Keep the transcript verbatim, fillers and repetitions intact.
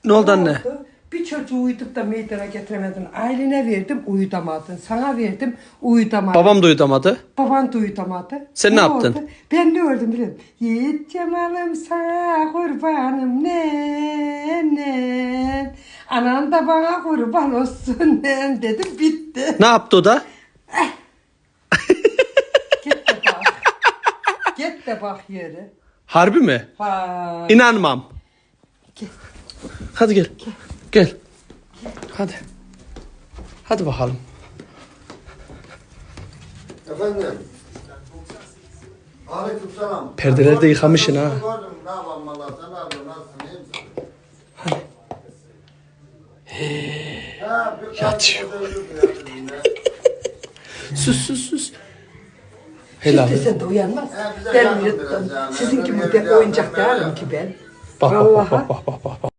Ne oldu anne? oldu? Bir çocuğu uyutup da meydana getiremedin. Ailene verdim, uyutamadın. Sana verdim, uyutamadın. Babam da uyutamadı. Baban da uyutamadı. Sen ne yaptın? oldu? Ben ne ördüm biliyor musun? Yiğit Cemal'im sana kurbanım ne ne. Anan da bana kurban olsun ne dedim, bitti. Ne yaptı o da? Git de bak. Git de bak yere. Harbi mi? Vay. İnanmam. Gel. Hadi gel. Gel. Hadi. Hadi bakalım. Efendim. Aleykümselam. Perdeleri de yıkamışsın ha. Gördüm. Ne yapalım valla, sen ne yapıyorsun? Nasılsın? İyi misin? Hadi. Ha, bir- Yatıyor. bir- bir- bir- bir- Sus sus sus. Helal. Şimdi sen de uyanmaz. Ha, bize Ben yardım uyuttum. biraz yani. Sizin gibi Öyle de bir oyuncak yardım, değilim öyle. ki ben. Bak bak Vallahi. bak bak bak bak.